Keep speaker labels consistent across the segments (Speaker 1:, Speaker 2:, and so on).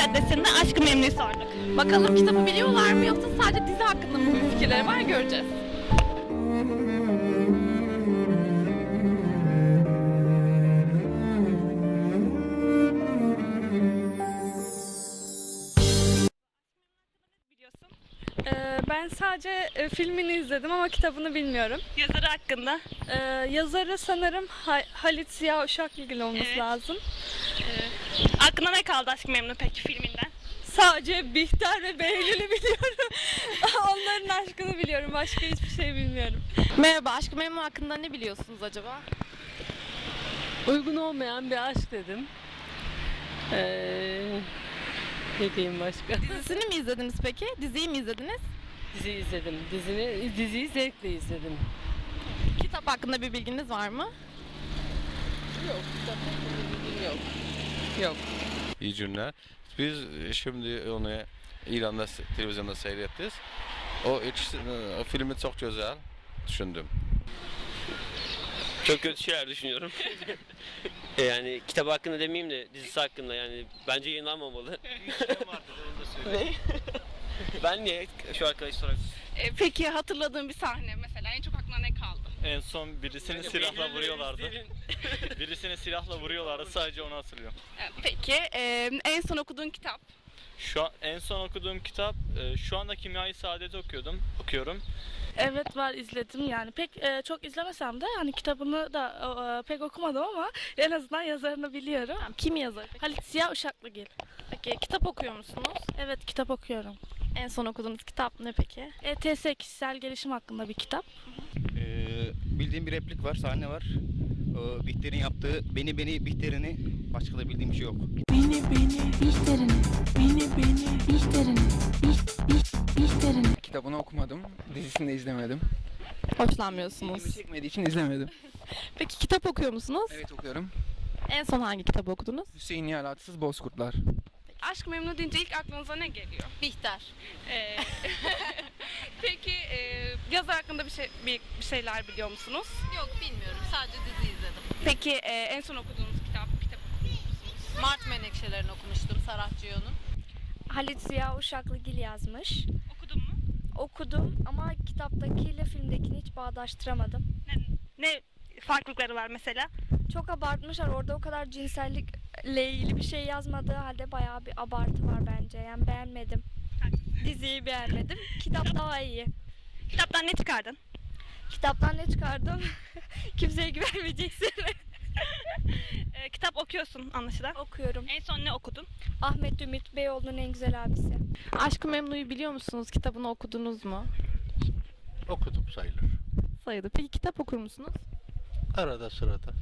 Speaker 1: Caddesi'nde Aşk-ı Memnu'yu sorduk.
Speaker 2: Bakalım kitabı biliyorlar mı yoksa sadece dizi hakkında mı bir fikirleri var, göreceğiz.
Speaker 1: Biliyorsun.
Speaker 3: Ben sadece filmini izledim ama kitabını bilmiyorum.
Speaker 1: Yazarı hakkında.
Speaker 3: Yazarı sanırım Halit Ziya Uşaklıgil olması
Speaker 1: Evet.
Speaker 3: lazım.
Speaker 1: Aklına ne kaldı Aşk-ı Memnu peki filminden?
Speaker 3: Sadece Bihter ve Behlül'ü biliyorum. Onların aşkını biliyorum. Başka hiçbir şey bilmiyorum.
Speaker 2: Merhaba, Aşk-ı Memnu hakkında ne biliyorsunuz acaba?
Speaker 4: Uygun olmayan bir aşk dedim. Ne diyeyim başka?
Speaker 2: Dizisini mi izlediniz peki? Diziyi mi izlediniz?
Speaker 4: Dizi izledim. Diziyi zevkle izledim.
Speaker 2: Kitap hakkında bir bilginiz var mı?
Speaker 4: Yok, kitap hakkında bilgim yok. Yok.
Speaker 5: İyi günler. Biz şimdi onu İran'da televizyonda seyrettik. O filmi çok güzel düşündüm.
Speaker 6: Çok kötü şeyler düşünüyorum. Yani kitap hakkında demeyeyim de dizisi hakkında yani bence yayınlanmamalı. Ne? Ben niye şu arkadaş sorar?
Speaker 1: Peki hatırladığın bir sahne mesela en çok aklına ne kaldı?
Speaker 7: En son birisini silahla vuruyorlardı. Birisini silahla vuruyorlardı. Sadece onu hatırlıyorum.
Speaker 1: Peki en son okuduğun kitap?
Speaker 7: En son okuduğum kitap şu anda Kimya-i Saadet'i okuyorum.
Speaker 3: Evet var, izledim yani. Pek çok izlemesem de hani kitabını da pek okumadım ama en azından yazarını biliyorum.
Speaker 2: Kim yazar?
Speaker 3: Halit Ziya Uşaklıgil.
Speaker 2: Peki kitap okuyor musunuz?
Speaker 3: Evet, kitap okuyorum.
Speaker 2: En son okuduğunuz kitap ne peki?
Speaker 3: ETS kişisel gelişim hakkında bir kitap.
Speaker 8: Bildiğim bir replik var, sahne var. Bihter'in yaptığı beni Bihter'ini başka da bildiğim bir şey yok.
Speaker 9: Bihter'ini. Kitabını okumadım, dizisini de izlemedim.
Speaker 2: Hoşlanmıyorsunuz.
Speaker 9: İlgimi çekmediği için izlemedim.
Speaker 2: Peki kitap okuyor musunuz?
Speaker 9: Evet okuyorum.
Speaker 2: En son hangi kitabı okudunuz?
Speaker 9: Hüseyin Yalatsız Bozkurtlar.
Speaker 1: Aşk-ı Memnu deyince ilk aklınıza ne geliyor?
Speaker 2: Bihter.
Speaker 1: Peki yazar hakkında bir şeyler biliyor musunuz?
Speaker 2: Yok, bilmiyorum. Sadece dizi izledim.
Speaker 1: Peki en son okuduğunuz kitap okuyor musunuz?
Speaker 2: Mart Menekşelerini okumuştum, Serhat Cio'nun.
Speaker 3: Halit Ziya Uşaklıgil yazmış.
Speaker 1: Okudun mu?
Speaker 3: Okudum ama kitaptakiyle filmdekini hiç bağdaştıramadım.
Speaker 1: Ne farklılıkları var mesela?
Speaker 3: Çok abartmışlar. Orada o kadar cinsellikle ilgili bir şey yazmadığı halde bayağı bir abartı var bence. Yani beğenmedim. Diziyi beğenmedim. Kitap daha iyi.
Speaker 1: Kitaptan ne çıkardın?
Speaker 3: Kitaptan ne çıkardım? Kimseye güvenmeyeceksin.
Speaker 1: Kitap okuyorsun anlaşılan.
Speaker 3: Okuyorum.
Speaker 1: En son ne okudun?
Speaker 3: Ahmet Ümit Beyoğlu'nun en güzel abisi.
Speaker 2: Aşk-ı Memnu'yu biliyor musunuz? Kitabını okudunuz mu?
Speaker 5: Okudum sayılır.
Speaker 2: Sayılı. Peki kitap okur musunuz?
Speaker 5: Arada sırada.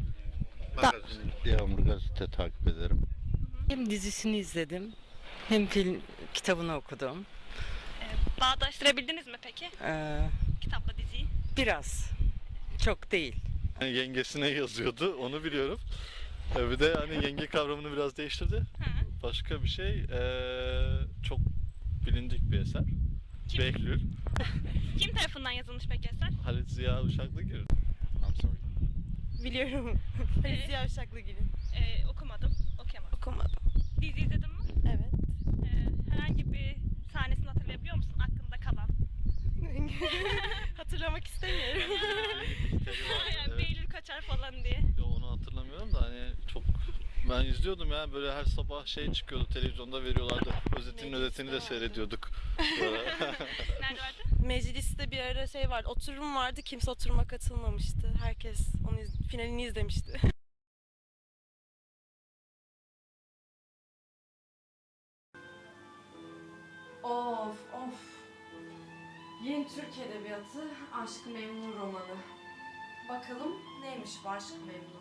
Speaker 5: Yağmur gazete takip ederim.
Speaker 4: Hem dizisini izledim hem kitabını okudum.
Speaker 1: Bağdaştırabildiniz mi peki? Kitapla diziyi.
Speaker 4: Biraz. Çok değil.
Speaker 7: Yengesine yazıyordu, onu biliyorum. Bir de hani yenge kavramını biraz değiştirdi. Başka bir şey, çok bilindik bir eser.
Speaker 1: Kim?
Speaker 7: Behlül,
Speaker 1: Kim tarafından yazılmış peki eser?
Speaker 7: Halit Ziya Uşaklıgil.
Speaker 5: I'm sorry.
Speaker 2: Biliyorum. Halit Ziya Uşaklıgil'in.
Speaker 1: Okumadım, okuyamadım.
Speaker 2: Okumadım.
Speaker 1: Dizi izledin mi?
Speaker 2: Evet.
Speaker 1: Herhangi bir sahnesini hatırlayabiliyor musun aklında kalan?
Speaker 2: Hatırlamak istemiyorum.
Speaker 1: Yani Behlül kaçar falan diye.
Speaker 7: Yo, onu hatırlamıyorum da hani çok ben izliyordum ya, böyle her sabah şey çıkıyordu, televizyonda veriyorlardı. Özetini de seyrediyorduk.
Speaker 1: Nerede vardı?
Speaker 10: Mecliste bir ara şey vardı, oturum vardı, kimse oturuma katılmamıştı. Herkes onu finalini izlemişti.
Speaker 11: Of of. Yeni Türk Edebiyatı Aşk-ı Memnu romanı. Bakalım neymiş bu Aşk-ı Memnu?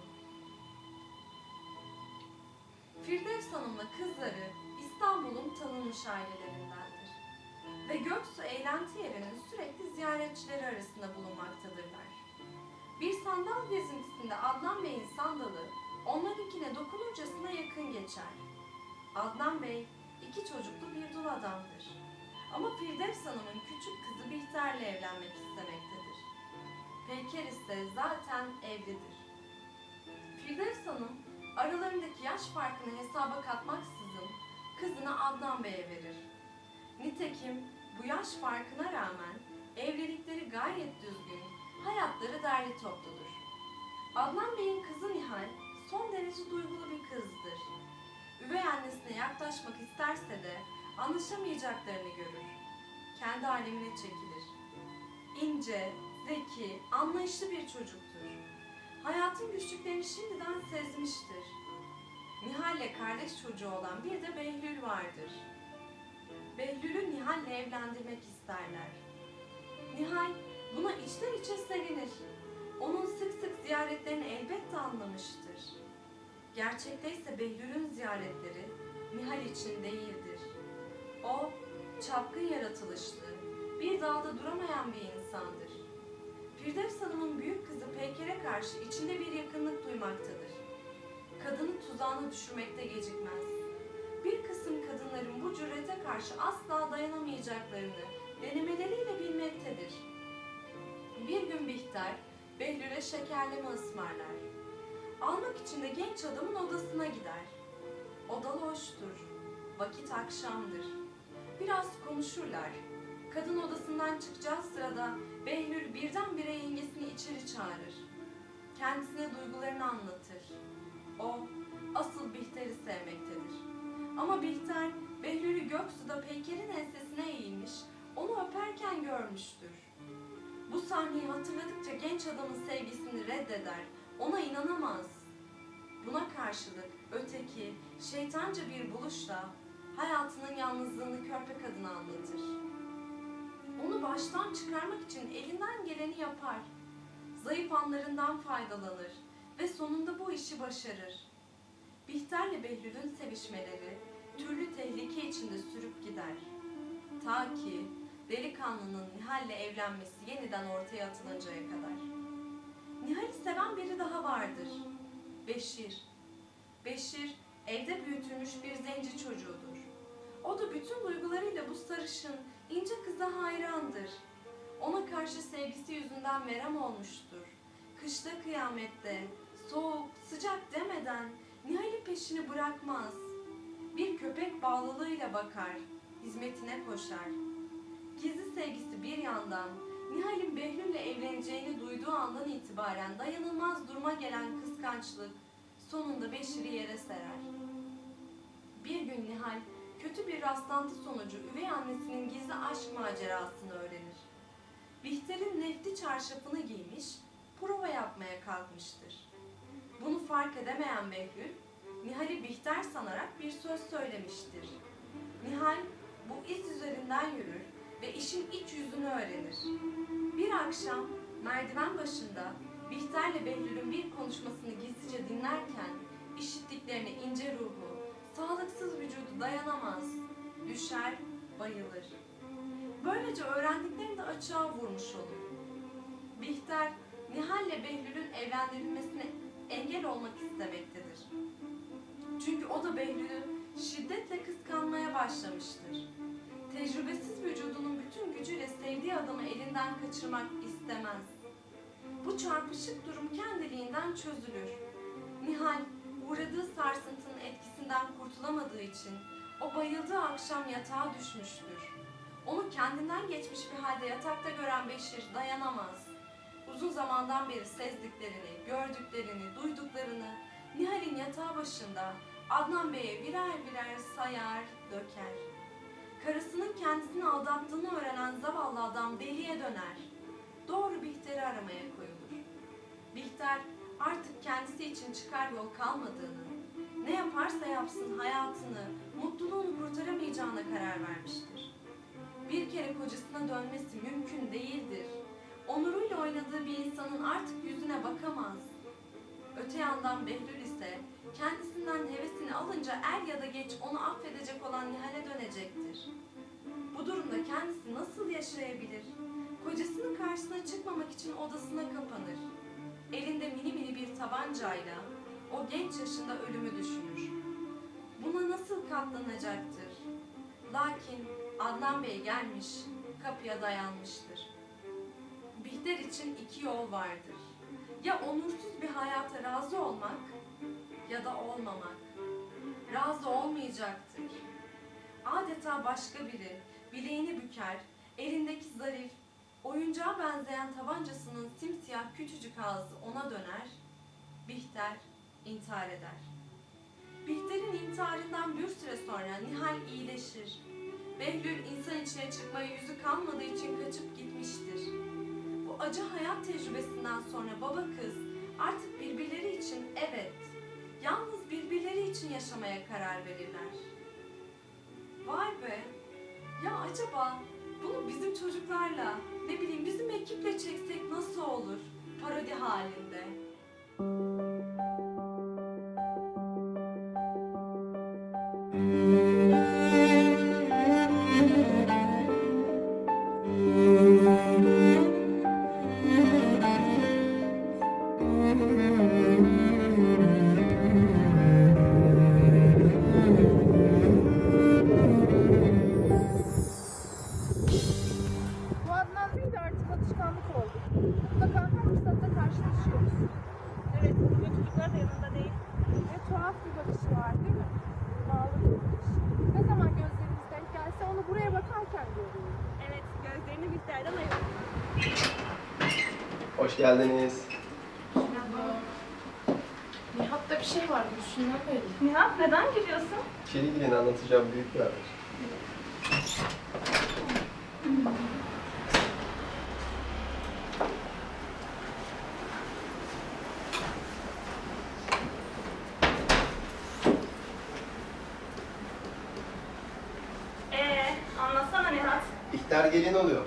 Speaker 11: Firdevs Hanım'la kızları İstanbul'un tanınmış ailelerindendir. Ve Göksu eğlenti yerinin sürekli ziyaretçileri arasında bulunmaktadırlar. Bir sandal gezintisinde Adnan Bey'in sandalı onlarınkine dokunurcasına yakın geçer. Adnan Bey 2 çocuklu bir dul adamdır. Ama Firdevs Hanım'ın küçük kızı Bihter'le evlenmek istemektedir. Peyker ise zaten evlidir. Firdevs Hanım aralarındaki yaş farkını hesaba katmaksızın kızını Adnan Bey'e verir. Nitekim bu yaş farkına rağmen evlilikleri gayet düzgün, hayatları derli topludur. Adnan Bey'in kızı Nihal son derece duygulu bir kızdır. Üvey annesine yaklaşmak isterse de anlaşamayacaklarını görür. Kendi alemine çekilir. İnce, zeki, anlayışlı bir çocuktur. Hayatın güçlüklerini şimdiden sezmiştir. Nihal'le kardeş çocuğu olan bir de Behlül vardır. Behlül'ü Nihal'le evlendirmek isterler. Nihal buna içten içe sevinir. Onun sık sık ziyaretlerini elbette anlamıştır. Gerçekte ise Behlül'ün ziyaretleri Nihal için değildir. O, çapkın yaratılışlı, bir dalda duramayan bir insandır. Firdevs Hanım'ın büyük kızı Peyker'e karşı içinde bir yakınlık duymaktadır. Kadını tuzağına düşürmekte gecikmez. Bir kısım kadınların bu cürete karşı asla dayanamayacaklarını denemeleriyle bilmektedir. Bir gün Bihter, Behlül'e şekerleme ısmarlar. Almak için de genç adamın odasına gider. Oda loştur. Vakit akşamdır. Biraz konuşurlar. Kadın odasından çıkacağı sırada Behlül birdenbire yengesini içeri çağırır. Kendisine duygularını anlatır. O, asıl Bihter'i sevmektedir. Ama Bihter, Behlül'ü Göksu'da Peyker'in ensesine eğilmiş, onu öperken görmüştür. Bu sahneyi hatırladıkça genç adamın sevgisini reddeder, ona inanamaz. Buna karşılık öteki, şeytanca bir buluşla hayatının yalnızlığını körpe kadına anlatır. Onu baştan çıkarmak için elinden geleni yapar. Zayıf anlarından faydalanır ve sonunda bu işi başarır. Bihter'le Behlül'ün sevişmeleri türlü tehlike içinde sürüp gider. Ta ki delikanlının Nihal'le evlenmesi yeniden ortaya atılıncaya kadar. Nihal'i seven biri daha vardır. Beşir. Beşir evde büyütülmüş bir zenci çocuğudur. O da bütün duygularıyla bu sarışın, ince kıza hayrandır. Ona karşı sevgisi yüzünden verem olmuştur. Kışta kıyamette, soğuk, sıcak demeden Nihal'in peşini bırakmaz. Bir köpek bağlılığıyla bakar, hizmetine koşar. Gizli sevgisi bir yandan, Nihal'in Behlül'le evleneceğini duyduğu andan itibaren dayanılmaz duruma gelen kıskançlık sonunda Beşir'i yere serer. Bir gün Nihal, kötü bir rastlantı sonucu üvey annesinin gizli aşk macerasını öğrenir. Bihter'in nefti çarşafını giymiş, prova yapmaya kalkmıştır. Bunu fark edemeyen Behlül, Nihal'i Bihter sanarak bir söz söylemiştir. Nihal bu iz üzerinden yürür ve işin iç yüzünü öğrenir. Bir akşam merdiven başında Bihter'le Behlül'ün bir konuşmasını gizlice dinlerken işittiklerine ince ruhu, sağlıksız vücudu dayanamaz, düşer, bayılır. Böylece öğrendiklerini de açığa vurmuş olur. Bihter, Nihal'le Behlül'ün evlendirilmesine engel olmak istemektedir. Çünkü o da Behlül'ü şiddetle kıskanmaya başlamıştır. Tecrübesiz vücudunun bütün gücüyle sevdiği adamı elinden kaçırmak istemez. Bu çarpışık durum kendiliğinden çözülür. Nihal, uğradığı sarsıntının etkisinden kurtulamadığı için o bayıldığı akşam yatağa düşmüştür. Onu kendinden geçmiş bir halde yatakta gören Beşir dayanamaz. Uzun zamandan beri sezdiklerini, gördüklerini, duyduklarını Nihal'in yatağı başında Adnan Bey'e birer birer sayar, döker. Karısının kendisini aldattığını öğrenen zavallı adam deliye döner. Doğru Bihter'i aramaya koyulur. Bihter artık kendisi için çıkar yol kalmadığını, ne yaparsa yapsın hayatını, mutluluğunu kurtaramayacağına karar vermiştir. Bir kere kocasına dönmesi mümkün değildir. Onuruyla oynadığı bir insanın artık yüzüne bakamaz. Öte yandan Behlül ise kendisinden hevesini alınca er ya da geç onu affedecek olan Nihal'e dönecektir. Bu durumda kendisi nasıl yaşayabilir? Kocasının karşısına çıkmamak için odasına kapanır. Elinde mini mini bir tabancayla o genç yaşında ölümü düşünür. Buna nasıl katlanacaktır? Lakin Adnan Bey gelmiş, kapıya dayanmıştır. Bihter için iki yol vardır. Ya onursuz bir hayata razı olmak ya da olmamak. Razı olmayacaktır. adeta başka biri bileğini büker, elindeki zarif, oyuncağa benzeyen tabancasının simsiyah küçücük ağzı ona döner, Bihter intihar eder. Bihter'in intiharından bir süre sonra Nihal iyileşir. Behlül insan içine çıkmaya yüzü kalmadığı için kaçıp gitmiştir. Bu acı hayat tecrübesinden sonra baba kız artık birbirleri için evet, yalnız birbirleri için yaşamaya karar verirler. Vay be! Ya acaba bunu bizim çocuklarla, ne bileyim bizim ekiple çeksek nasıl olur? Parodi halinde.
Speaker 2: Bu Adnan Bey de artık alışkanlık oldu. Mutlaka her fırsatta karşılaşıyoruz.
Speaker 1: Evet, bugün çocuklar da yanında değil.
Speaker 2: Ve tuhaf bir bakışı var değil mi? Bağlı bir bakış. Ne zaman gözlerimiz denk gelse onu buraya bakarken görüyorum.
Speaker 1: Evet, gözlerini Bihter'den ayırın.
Speaker 12: Hoş geldiniz.
Speaker 2: Nihat'ta bir şey var düşünden belli.
Speaker 1: Nihat, neden gülüyorsun?
Speaker 12: İçeri girin, anlatacağım büyük bir haber.
Speaker 1: Anlatsana Nihat.
Speaker 12: Bihter gelin oluyor.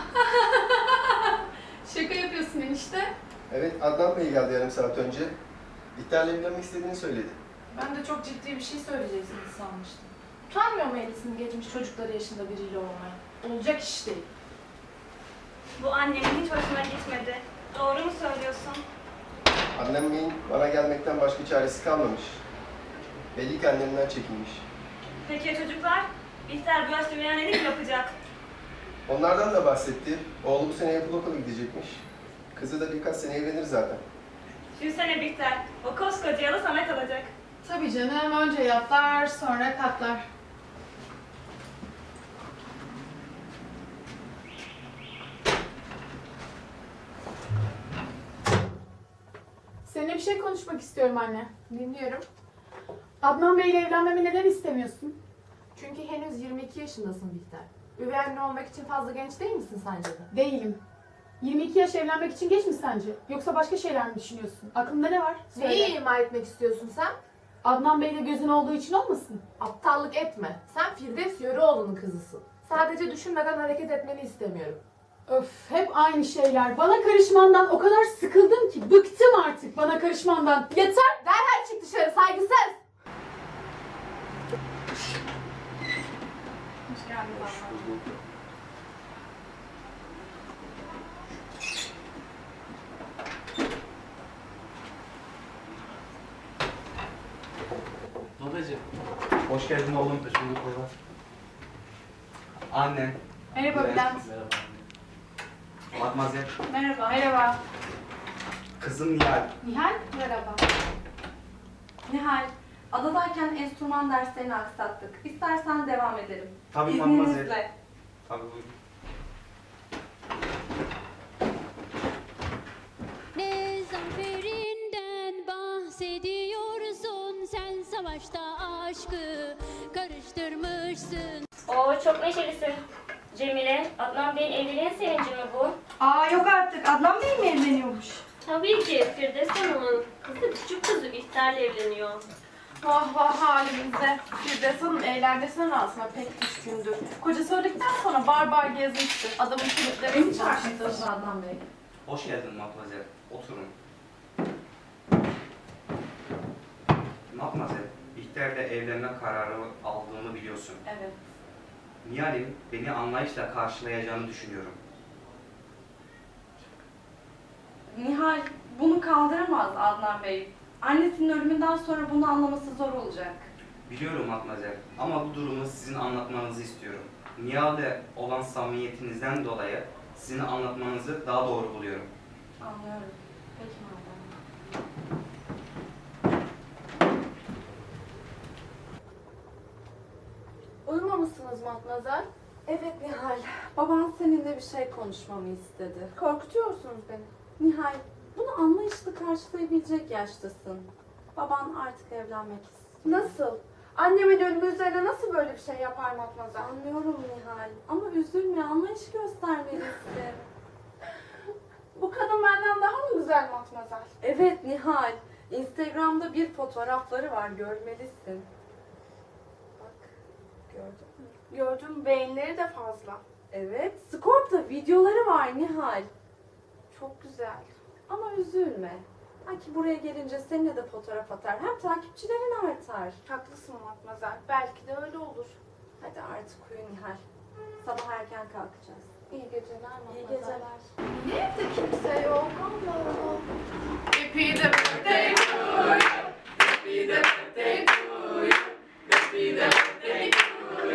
Speaker 2: Şaka yapıyorsun enişte.
Speaker 12: Evet, Adnan Bey geldi yarım saat önce. Bihter'le evlenmek istediğini söyledi.
Speaker 2: Ben de çok ciddi bir şey söyleyeceksiniz sanmıştım. Utanmıyor mu Elis'in geçmiş çocukları yaşında biriyle olmaya? Olacak iş değil.
Speaker 1: Bu annemin hiç hoşuna gitmedi. Doğru mu söylüyorsun?
Speaker 12: Annem Bey'in bana gelmekten başka çaresi kalmamış. Belli ki annemden çekinmiş.
Speaker 1: Peki ya çocuklar? Bihter bu yaşta bir annelik yapacak.
Speaker 12: Onlardan da bahsetti. Oğlu bu sene yapılı okula gidecekmiş. Kızı da birkaç sene evlenir zaten.
Speaker 1: Düşünsene Bihter, o koskoca yalı sana kalacak.
Speaker 2: Tabii canım, önce yatlar sonra katlar. Seninle bir şey konuşmak istiyorum anne. Dinliyorum. Adnan Bey'le evlenmemi neden istemiyorsun?
Speaker 13: Çünkü henüz 22 yaşındasın Bihter. Üvey anne olmak için fazla genç değil misin sence de?
Speaker 2: Değilim. 22 yaş evlenmek için geç mi sence? Yoksa başka şeyler mi düşünüyorsun? Aklında ne var? Söyle.
Speaker 13: Neyi ima etmek istiyorsun sen?
Speaker 2: Adnan Bey'le gözün olduğu için olmasın?
Speaker 13: Aptallık etme. Sen Firdevs Yörüoğlu'nun kızısın. Sadece düşünmeden hareket etmeni istemiyorum.
Speaker 2: Öf, hep aynı şeyler. Bana karışmandan o kadar sıkıldım ki. Bıktım artık bana karışmandan. Yeter!
Speaker 13: Derhal çık dışarı, saygısız!
Speaker 1: Hoş geldin baba.
Speaker 8: Babacığım. Hoş geldin oğlum. Hoş bulduk baba. Annen.
Speaker 2: Merhaba Bülent.
Speaker 8: Merhaba. Matmazel.
Speaker 2: Merhaba. Merhaba.
Speaker 8: Kızım Nihal.
Speaker 2: Nihal, merhaba.
Speaker 11: Nihal, adadayken enstrüman derslerini aksattık. İstersen devam edelim.
Speaker 8: Tabii Matmazel.
Speaker 11: İzninizle.
Speaker 8: Tabii buyurun.
Speaker 14: Ne zaferinden bahsediyorsun, sen savaşta aşkı karıştırmışsın.
Speaker 1: Oo, çok neşelisin. Cemile, Adnan Bey'in evliliğin sevinci mi bu?
Speaker 10: Aa yok artık. Adnan Bey mi evleniyormuş?
Speaker 1: Tabii ki. Firdevs Hanım'ın kızı, küçük kızı Bihter'le evleniyor.
Speaker 2: Vah vah halimize. Firdevs Hanım eğlencesine razına pek düşkündür. Kocası öldükten sonra bar gezmişti. Adamın kilitlerini çarpmıştır.
Speaker 11: Adnan Bey.
Speaker 8: Hoş geldin Matmazel. Oturun. Matmazel, Bihter'le evlenme kararı aldığımı biliyorsun.
Speaker 11: Evet.
Speaker 8: Nihal'in beni anlayışla karşılayacağını düşünüyorum.
Speaker 11: Nihal bunu kaldıramaz Adnan Bey. Annesinin ölümünden sonra bunu anlaması zor olacak.
Speaker 8: Biliyorum Matmazel ama bu durumu sizin anlatmanızı istiyorum. Nihal'le olan samimiyetinizden dolayı sizin anlatmanızı daha doğru buluyorum.
Speaker 11: Anlıyorum. Peki madem.
Speaker 2: Uyumamışsın Matmazel.
Speaker 11: Evet Nihal, baban seninle bir şey konuşmamı istedi.
Speaker 2: Korkutuyorsunuz beni.
Speaker 11: Nihal, bunu anlayışla karşılayabilecek yaştasın. Baban artık evlenmek istiyor.
Speaker 2: Nasıl? Annemin ölümü üzerine nasıl böyle bir şey yapar Matmazel?
Speaker 11: Anlıyorum Nihal ama üzülme, anlayış göstermelisin.
Speaker 2: Bu kadın benden daha mı güzel Matmazel?
Speaker 11: Evet Nihal, Instagram'da bir fotoğrafları var, görmelisin. Bak, gördün mü?
Speaker 2: Gördüm, beğenileri de fazla.
Speaker 11: Evet, Scorp'ta videoları var Nihal.
Speaker 2: Çok güzel.
Speaker 11: Ama üzülme. Belki buraya gelince seninle de fotoğraf atar. Hem takipçilerin artar.
Speaker 2: Haklısın Matmazel. Belki de öyle olur.
Speaker 11: Hadi artık uyu Nihal. Sabah erken kalkacağız.
Speaker 2: İyi geceler Matmazel.
Speaker 11: İyi geceler.
Speaker 2: Niye evde kimse yok? Allah Allah. Happy the birthday to you. Happy the birthday to you. Happy the birthday to you.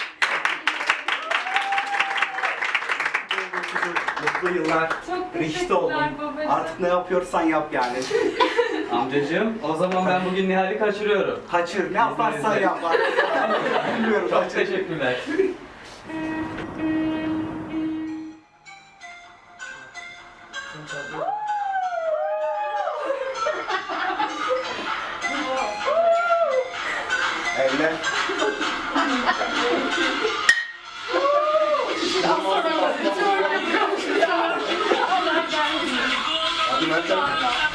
Speaker 8: Mutlu yıllar.
Speaker 1: Çok
Speaker 8: Reşit oldum.
Speaker 1: teşekkürler babacığım.
Speaker 8: Artık ne yapıyorsan yap yani.
Speaker 15: Amcacığım, o zaman ben bugün Nihal'i kaçırıyorum.
Speaker 8: Kaçır, ne yaparsan yap. Bilmiyorum.
Speaker 15: Çok teşekkürler.
Speaker 8: Evlen. Hadi Meltem.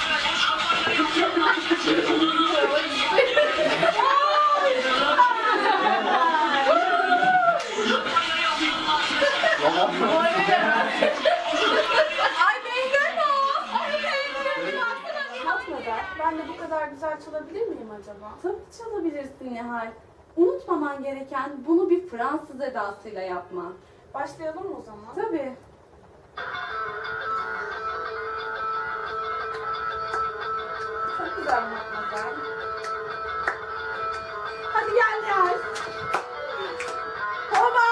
Speaker 2: Ay beğendin o. Ay beğendim. Matmazel, ben de bu kadar güzel çalabilir miyim acaba?
Speaker 11: Tabii çalabilirsin Nihal. Unutmaman gereken bunu bir Fransız edasıyla yapma.
Speaker 2: Başlayalım mı o zaman?
Speaker 11: Tabii.
Speaker 2: Çok güzel Matmazel.
Speaker 11: Hadi gel Nihal.
Speaker 2: Baba!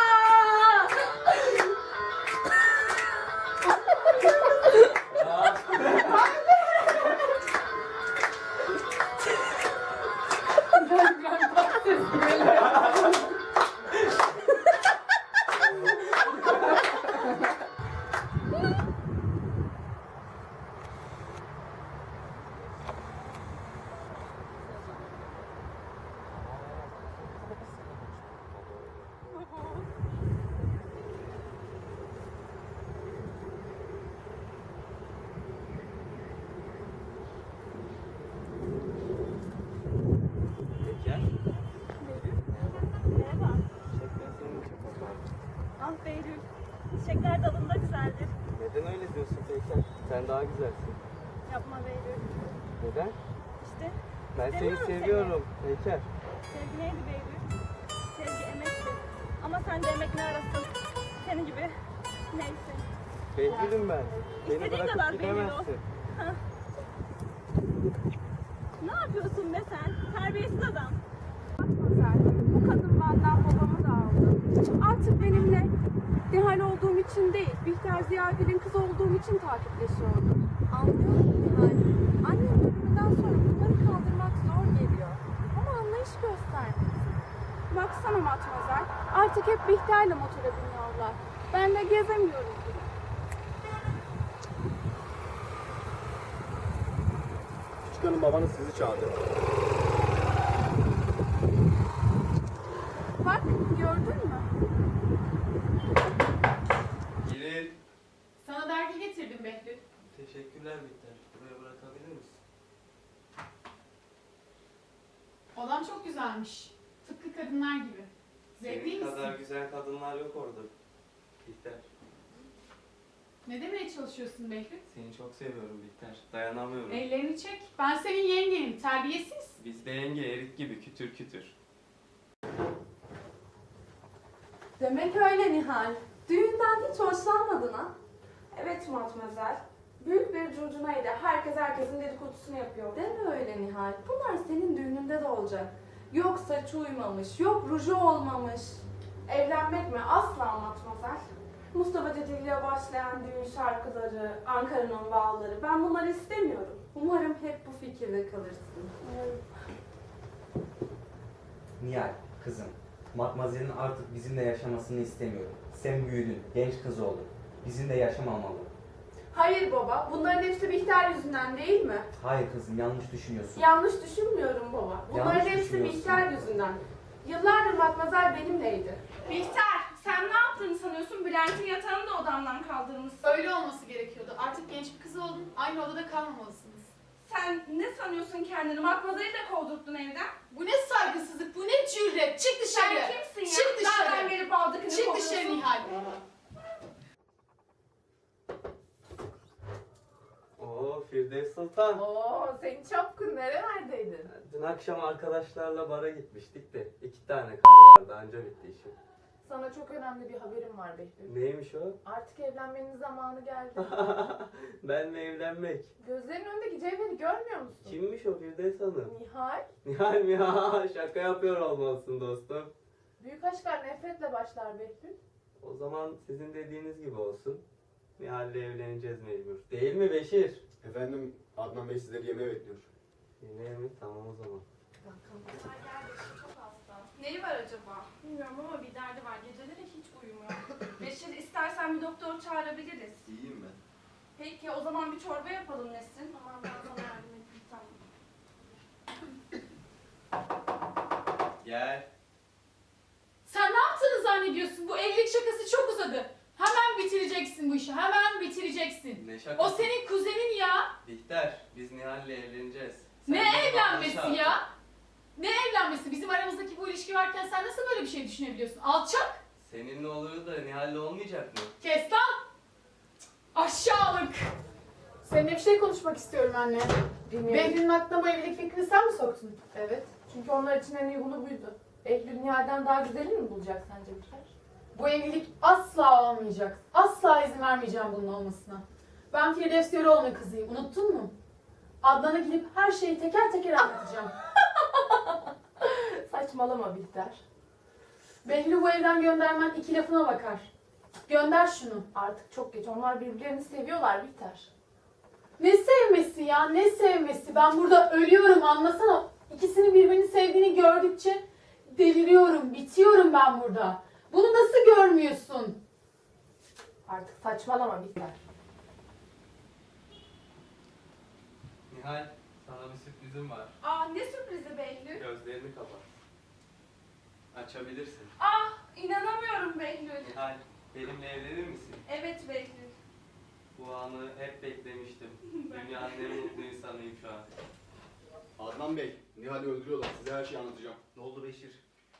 Speaker 1: Ah Behlül, çiçekler dalında güzeldir.
Speaker 15: Neden öyle diyorsun Peyker? Sen daha güzelsin.
Speaker 1: Yapma Behlül.
Speaker 15: Neden?
Speaker 1: İşte
Speaker 15: Ben seni
Speaker 1: Seviyorum seni.
Speaker 15: seviyorum Peyker.
Speaker 1: sevgi neydi Behlül? Sevgi emekti. Ama sen de emek ne arasın? Senin gibi neyse.
Speaker 15: Behlül'üm ben. Beni
Speaker 1: İstediğin kadar
Speaker 15: bırakıp
Speaker 1: Behlül ol.
Speaker 15: gidemezsin.
Speaker 1: Hah. Ne yapıyorsun be sen? Terbiyesiz adam.
Speaker 2: Bu kadın benden babamı da aldı. Artık benimle Nihal olduğum için değil, Bihter Ziyagil'in kızı olduğum için takipleşiyordu.
Speaker 11: Anlıyorum Nihal. Annenin ölümünden sonra bunları kaldırmak zor geliyor. Ama anlayış göstermelisin.
Speaker 2: Baksana Matmazel, artık hep Bihter'le motora biniyorlar. Ben de gezemiyorum bile.
Speaker 12: Küçük hanım babanız sizi çağırdı.
Speaker 2: Bak, gördün mü?
Speaker 15: Girin.
Speaker 13: Sana dergi getirdim Behlül.
Speaker 15: Teşekkürler Bihter. Buraya bırakabilir misin?
Speaker 13: Odam çok güzelmiş. Tıpkı kadınlar gibi. Zevkli
Speaker 15: Senin kadar
Speaker 13: misin?
Speaker 15: güzel kadınlar yok orada. Bihter.
Speaker 13: Ne demeye çalışıyorsun Behlül?
Speaker 15: Seni çok seviyorum Bihter. Dayanamıyorum.
Speaker 13: Ellerini çek. Ben senin yengenim. Terbiyesiz.
Speaker 15: Biz de yenge erik gibi kütür kütür.
Speaker 11: Demek öyle Nihal. Düğünden hiç hoşlanmadın ha?
Speaker 2: Evet Matmazel. Büyük bir curcunaydı. Herkes herkesin dedikodusunu yapıyor.
Speaker 11: Deme öyle Nihal. Bunlar senin düğününde de olacak. Yok saçı uymamış, yok ruju olmamış.
Speaker 2: Evlenmek mi? Asla Matmazel. Mustafa Ceceli ile başlayan düğün şarkıları, Ankara'nın bağları. Ben bunları istemiyorum.
Speaker 11: Umarım hep bu fikirde kalırsın.
Speaker 8: Nihal, kızım. Matmazel'in artık bizimle yaşamasını istemiyorum. Sen büyüdün, genç kız oldun. Bizimle yaşamamalı.
Speaker 13: Hayır baba, bunların hepsi Bihter yüzünden değil mi?
Speaker 8: Hayır kızım, yanlış düşünüyorsun.
Speaker 13: Yanlış düşünmüyorum baba. Bunların
Speaker 8: Yanlış
Speaker 13: hepsi
Speaker 8: düşünüyorsun.
Speaker 13: Bihter yüzünden. Yıllardır Matmazel benimleydi.
Speaker 1: Bihter, sen ne yaptığını sanıyorsun? Bülent'in yatağını da odamdan kaldırmışsın.
Speaker 2: Öyle olması gerekiyordu. Artık genç bir kız oldun. Aynı odada kalmamalısınız.
Speaker 1: Sen ne sanıyorsun kendini? Matmazel'i de kovdurttun evden.
Speaker 2: Bu ne saygısızlık, bu ne cüret. Çık dışarı.
Speaker 1: Sen kimsin ya?
Speaker 2: Çık dışarı.
Speaker 1: Nereden gelip aldıkını
Speaker 2: Çık
Speaker 1: kovuyorsun?
Speaker 2: dışarı Nihal.
Speaker 15: Oo Firdevs Sultan.
Speaker 13: Oo, senin çapkın nerelerdeydin?
Speaker 15: Dün akşam arkadaşlarla bara gitmiştik de 2 tane kahve vardı anca bitti işim.
Speaker 13: Sana çok önemli bir haberim var Behlül.
Speaker 15: Neymiş o?
Speaker 13: Artık evlenmenin zamanı geldi.
Speaker 15: Ben mi evlenmek?
Speaker 13: Gözlerinin önündeki cevheri görmüyor musun?
Speaker 15: Kimmiş o Firdevs Hanım?
Speaker 13: Nihal.
Speaker 15: Nihal mi ya? Şaka yapıyor olmalısın dostum.
Speaker 13: Büyük aşklar nefretle başlar Behlül.
Speaker 15: O zaman sizin dediğiniz gibi olsun. Nihal'le evleneceğiz mecbur. Değil mi Beşir?
Speaker 16: Efendim Adnan Bey sizleri yemeğe bekliyor.
Speaker 15: Yemeğe mi? Tamam o zaman.
Speaker 1: Neyi var acaba? Bilmiyorum ama bir derdi var. Geceleri hiç uyumuyor. Beşir, istersen bir doktor çağırabiliriz.
Speaker 16: İyiyim ben.
Speaker 1: Peki o zaman bir çorba yapalım Nesrin. Tamam, ben sana yardım edeyim. Tamam.
Speaker 15: Gel.
Speaker 2: Sen ne yaptığını zannediyorsun? Bu evlilik şakası çok uzadı. Hemen bitireceksin bu işi. Hemen bitireceksin.
Speaker 15: Ne şakası?
Speaker 2: O senin kuzenin ya.
Speaker 15: Bihter, biz Nihal'le evleneceğiz.
Speaker 2: Ne
Speaker 15: Sen de
Speaker 2: evlenmesi
Speaker 15: yanlış
Speaker 2: ya? Ne evlenmesi? Bizim aramızdaki bu ilişki varken sen nasıl böyle bir şey düşünebiliyorsun? Alçak!
Speaker 15: Seninle olur da Nihal'le olmayacak mı?
Speaker 2: Kes lan! Aşağılık!
Speaker 13: Seninle bir şey konuşmak istiyorum anne. Behlül'ün aklına bu evlilik fikrini sen mi soktun? Evet. Çünkü onlar için en uygunu buydu. Behlül Nihal'den daha güzelini mi bulacak sence Bihter? Bu evlilik asla olmayacak. Asla izin vermeyeceğim bunun olmasına. Ben Firdevs Yöreoğlu'nun kızıyım. Unuttun mu? Adnan'a gidip her şeyi teker teker anlatacağım. Saçmalama Bihter. Behlül'ü bu evden göndermen iki lafına bakar. Gönder şunu. Artık çok geç. Onlar birbirlerini seviyorlar Bihter. Ne sevmesi ya? Ne sevmesi? Ben burada ölüyorum anlasana. İkisinin birbirini sevdiğini gördükçe deliriyorum. Bitiyorum ben burada. Bunu nasıl görmüyorsun? Artık saçmalama Bihter.
Speaker 15: Nihal, sana bir sürprizim var.
Speaker 1: Aa, ne sürprizi Behlül?
Speaker 15: Gözlerini kapat. Açabilirsin.
Speaker 1: Ah, inanamıyorum Behlül.
Speaker 15: Nihal, benimle evlenir misin?
Speaker 1: Evet Behlül.
Speaker 15: Bu anı hep beklemiştim. Dünyanın en mutlu insanıyım şu an.
Speaker 16: Adnan Bey, Nihal'i öldürüyorlar. Size her şeyi anlatacağım.
Speaker 8: Ne oldu Beşir?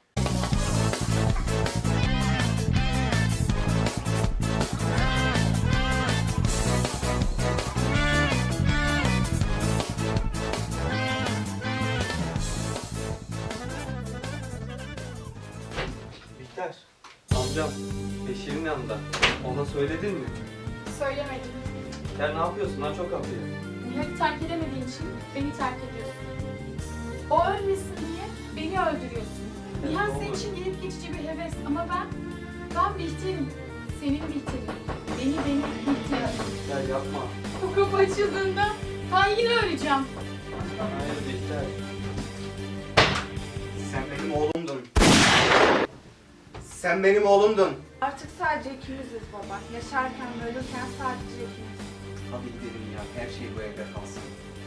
Speaker 15: Bihter, amcam Beşir'in yanında. Ona söyledin mi?
Speaker 2: Söylemedim.
Speaker 15: Sen ne yapıyorsun lan çok hafif.
Speaker 2: Nihal'i terk edemediğin için beni terk ediyorsun. O ölmesin diye beni öldürüyorsun. Nihal senin için gelip geçici bir heves ama ben Bihter'im. Senin Bihter'in. Benim Bihter'im.
Speaker 15: Ya yapma.
Speaker 2: O kapı açıldığında ben yine öleceğim.
Speaker 15: Hayır Bihter.
Speaker 8: Sen benim oğlumdun. Sen benim oğlumdun.
Speaker 1: Artık sadece ikimiziz baba. Yaşarken ve ölürken sadece ikimiz.
Speaker 8: Hadi gidelim ya. Her şey bu evde kalsın.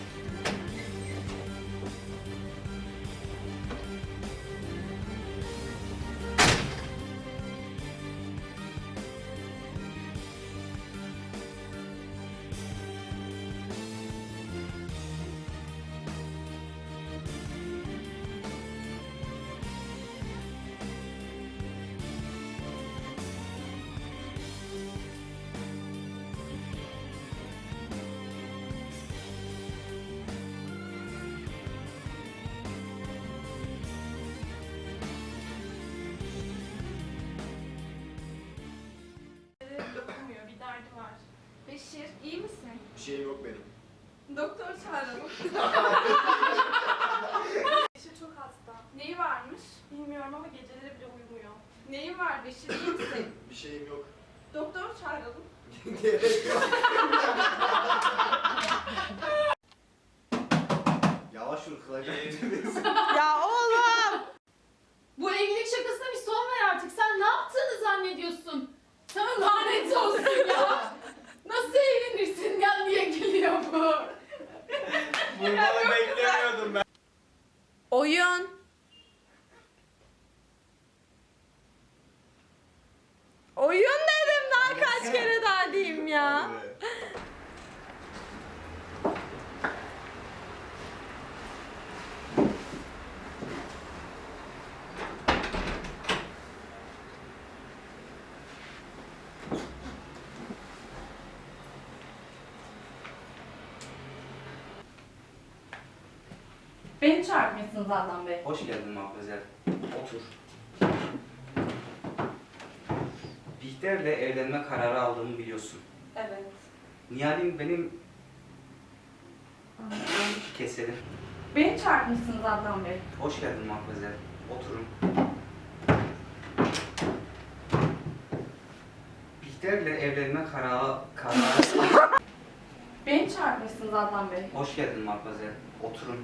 Speaker 1: Okumuyor, bir derdi var. Beşir, iyi misin?
Speaker 16: Bir şeyim yok benim.
Speaker 1: Doktor çağıralım. Beşir çok hasta. Neyi varmış? Bilmiyorum ama geceleri bile uyumuyor. Neyin var Beşir, iyi misin?
Speaker 16: Bir şeyim yok.
Speaker 1: Doktor çağıralım.
Speaker 16: Gerek yok.
Speaker 8: Yavaş vur kılacak.
Speaker 2: Ya oğlum! Bu evlilik şakasına bir
Speaker 15: Bunu beklemiyordum ben.
Speaker 11: Oyun. Oyun dedim, daha kaç kere daha diyeyim ya.
Speaker 1: Beni çağırmışsınız Adnan Bey.
Speaker 8: Hoş geldin Mahfuzel. Otur. Bihter'le evlenme kararı aldığımı biliyorsun.
Speaker 1: Evet.
Speaker 8: Nihal'in benim... Keselim.
Speaker 1: Beni çağırmışsınız Adnan Bey.
Speaker 8: Hoş geldin Mahfuzel. Oturun. Bihter'le evlenme kararı...
Speaker 1: Beni çağırmışsınız Adnan Bey.
Speaker 8: Hoş geldin Mahfuzel. Oturun.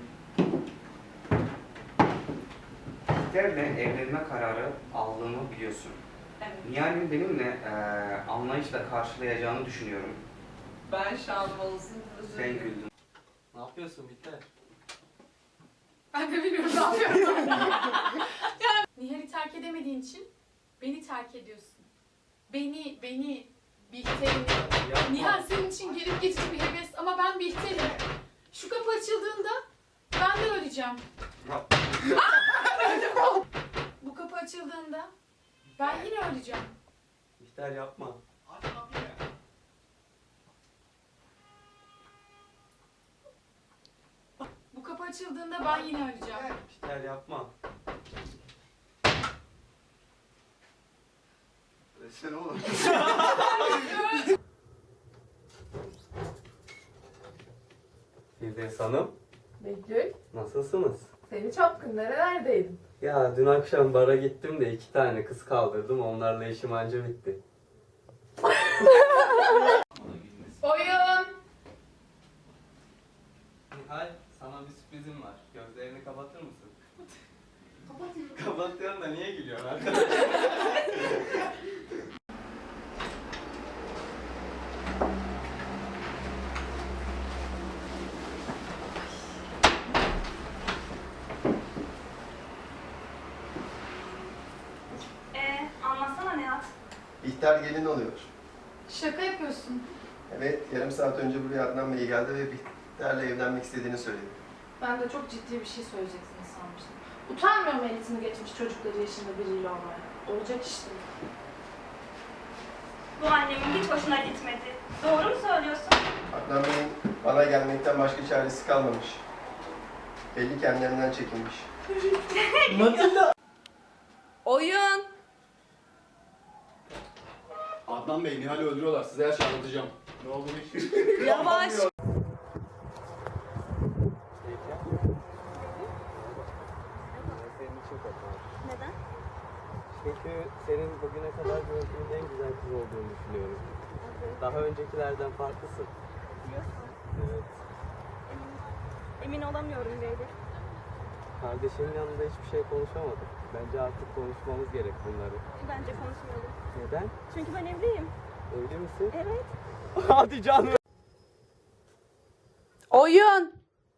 Speaker 8: Bihter'le evlenme kararı aldığımı biliyorsun.
Speaker 1: Evet.
Speaker 8: Nihal'in benimle anlayışla karşılayacağını düşünüyorum.
Speaker 11: Ben şansım olsun.
Speaker 8: Sen güldün.
Speaker 15: Ne yapıyorsun Bihter?
Speaker 2: Ben de bilmiyorum ne yapıyorum. Nihal'i terk edemediğin için beni terk ediyorsun. Beni, Bihter'ini. Nihal senin için gelip geçici bir heves ama ben Bihter'im. Şu kapı açıldığında ben de öleceğim. Bu kapı açıldığında ben yine öleceğim.
Speaker 15: Bihter yapma.
Speaker 2: Bu kapı açıldığında ben yine öleceğim.
Speaker 15: Bihter yapma.
Speaker 16: Sen oğlum.
Speaker 15: Firdevs Hanım,
Speaker 13: Betül,
Speaker 15: nasılsınız?
Speaker 13: seni çapkın nerelerdeydin?
Speaker 15: Ya dün akşam bara gittim de 2 tane kız kaldırdım. Onlarla işim anca bitti.
Speaker 2: Oyun.
Speaker 15: Nihal, sana bir sürprizim var. Gözlerini kapatır mısın? Kapatıyorum. Kapatıyorum da niye gülüyorsun arkadaş?
Speaker 1: Anlatsana Nihat.
Speaker 12: Bihter gelin oluyor.
Speaker 2: Şaka yapıyorsun.
Speaker 12: Evet, yarım saat önce buraya Adnan Bey geldi ve Bihter'le evlenmek istediğini söyledi.
Speaker 13: Ben de çok ciddi bir şey söyleyeceksiniz sanmıştım. Utanmıyor mu eğitimi geçmiş çocukları yaşında biriyle olmaya? Olacak işte.
Speaker 1: Bu annemin hiç hoşuna gitmedi. Doğru mu söylüyorsun?
Speaker 12: Adnan Bey'in bana gelmekten başka çaresi kalmamış. Belli kendilerinden çekinmiş.
Speaker 11: Oyun.
Speaker 16: Adnan Bey, Nihal'i öldürüyorlar. Size her şeyi anlatacağım. Ne oldu bu iş?
Speaker 11: Yavaş.
Speaker 15: Senin için korkmam.
Speaker 1: Neden?
Speaker 15: Çünkü senin bugüne kadar gördüğüm en güzel kız olduğunu düşünüyorum. Daha öncekilerden farklısın.
Speaker 1: Diyorsun.
Speaker 15: Evet.
Speaker 1: Emin olamıyorum Beyli.
Speaker 15: Kardeşinin yanında hiçbir şey konuşamadık. Bence artık konuşmamız gerek bunları.
Speaker 1: Bence konuşmayalım.
Speaker 15: Neden?
Speaker 1: Çünkü ben evliyim.
Speaker 15: Evli misin?
Speaker 1: Evet.
Speaker 15: Hadi canım.
Speaker 11: Oyun.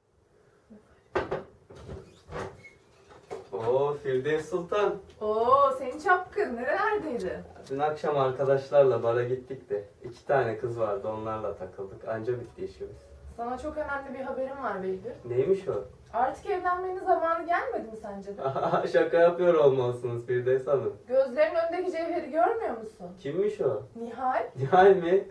Speaker 15: Oo Firdevs Sultan.
Speaker 13: Oo, seni çapkın nerelerdeydin?
Speaker 15: Dün akşam arkadaşlarla bara gittik de 2 tane kız vardı, onlarla takıldık. Anca bitti işimiz.
Speaker 13: Sana çok önemli bir haberim var Behlül.
Speaker 15: Neymiş o?
Speaker 13: Artık evlenmenin zamanı gelmedi mi sence de?
Speaker 15: Şaka yapıyor olmalısınız Firdevs Hanım.
Speaker 13: Gözlerinin önündeki cevheri görmüyor musun?
Speaker 15: Kimmiş o?
Speaker 13: Nihal.
Speaker 15: Nihal mi?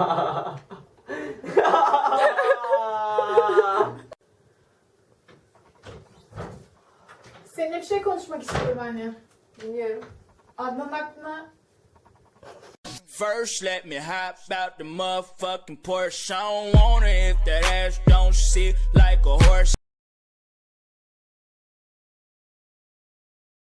Speaker 13: Seninle bir şey konuşmak istiyorum anne. Dinliyorum. Adnan'ın aklına...
Speaker 17: First, let me hop out the motherfucking Porsche. I don't want it if that ass don't sit like a horse.